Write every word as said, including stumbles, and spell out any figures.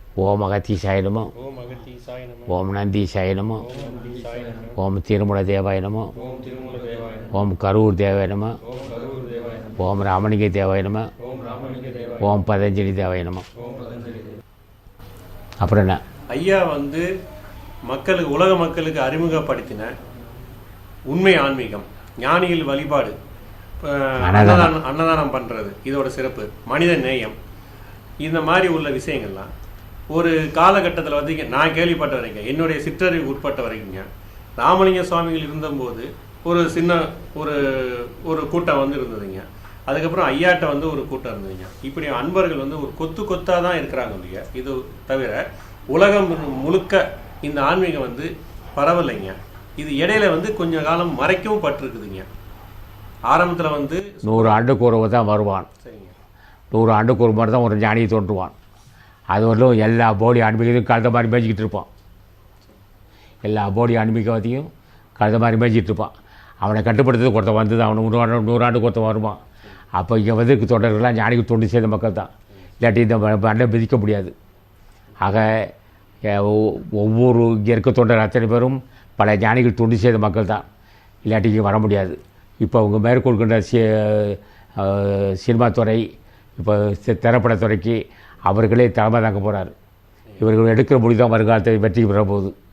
ஓம் அகத்தீசாய நமோ, ஓம் நந்தீசாய நமோ, ஓம் திருமூல தேவாய நமோ, ஓம் கரூர் தேவாய நமோ, ஓம் ராமலிங்க தேவாய நமோ, ஓம் பதஞ்சலி தேவாய நமோ. அப்புறம் என்ன ஐயா வந்து மக்களுக்கு உலக மக்களுக்கு அறிமுகப்படுத்தின உண்மை ஆன்மீகம், ஞானிகள் வழிபாடு, அன்னதானம் அன்னதானம் பண்ணுறது, இதோட சிறப்பு, மனித நேயம், இந்த மாதிரி உள்ள விஷயங்கள்லாம் ஒரு காலகட்டத்தில் வந்து நான் கேள்விப்பட்ட வரைக்கும், என்னுடைய சிற்றறிவு உட்பட்ட வரைக்குங்க, ராமலிங்க சுவாமிகள் இருந்தபோது ஒரு சின்ன ஒரு ஒரு கூட்டம் வந்து இருந்ததுங்க. அதுக்கப்புறம் ஐயாட்ட வந்து ஒரு கூட்டம் இருந்ததுங்க. இப்படி அன்பர்கள் வந்து ஒரு கொத்து கொத்தாக தான் இருக்கிறாங்க இல்லையா. இது தவிர உலகம் முழுக்க இந்த ஆன்மீகம் வந்து பரவலைங்க. இது இடையில வந்து கொஞ்ச காலம் மறைக்கவும் பட்டிருக்குதுங்க. ஆரம்பத்தில் வந்து நூறு ஆண்டுக்கு ஒரு தான் வருவான். சரிங்க. நூறு ஆண்டுக்கு ஒரு மாதிரி தான் ஒரு ஞானியை தோன்றுவான். அது வரலும் எல்லா போடி ஆன்மீகத்தையும் கழுத மாதிரி மேய்ச்சிக்கிட்டு இருப்பான். எல்லா போடி ஆன்மீகத்தையும் கழுத மாதிரி மேய்ச்சிக்கிட்டு இருப்பான். அவனை கட்டுப்படுத்துறது ஒருத்தன் வந்து தான் அவனை நூறு நூறாண்டுக்கு ஒருத்தன் வருவான். அப்போ இங்கே வந்து தொடர்கள்லாம் ஞானிக்கு தொண்டு செய்த மக்கள் தான். இல்லாட்டி இந்த மண்ணை மிதிக்க முடியாது. ஆக ஒவ்வொரு இங்கே இருக்க தொண்டர் அத்தனை பேரும் பல ஞானிகள் தொண்டு செய்த மக்கள் தான். இல்லாட்டி இங்கே வர முடியாது. இப்போ அவங்க மேற்கொள்கின்ற சி சினிமா துறை, இப்போ திரைப்படத்துறைக்கு அவர்களே தலைமை தாங்க போகிறார். இவர்கள் எடுக்கிற மொழி தான் வருங்காலத்தை வெற்றி பெற போகுது.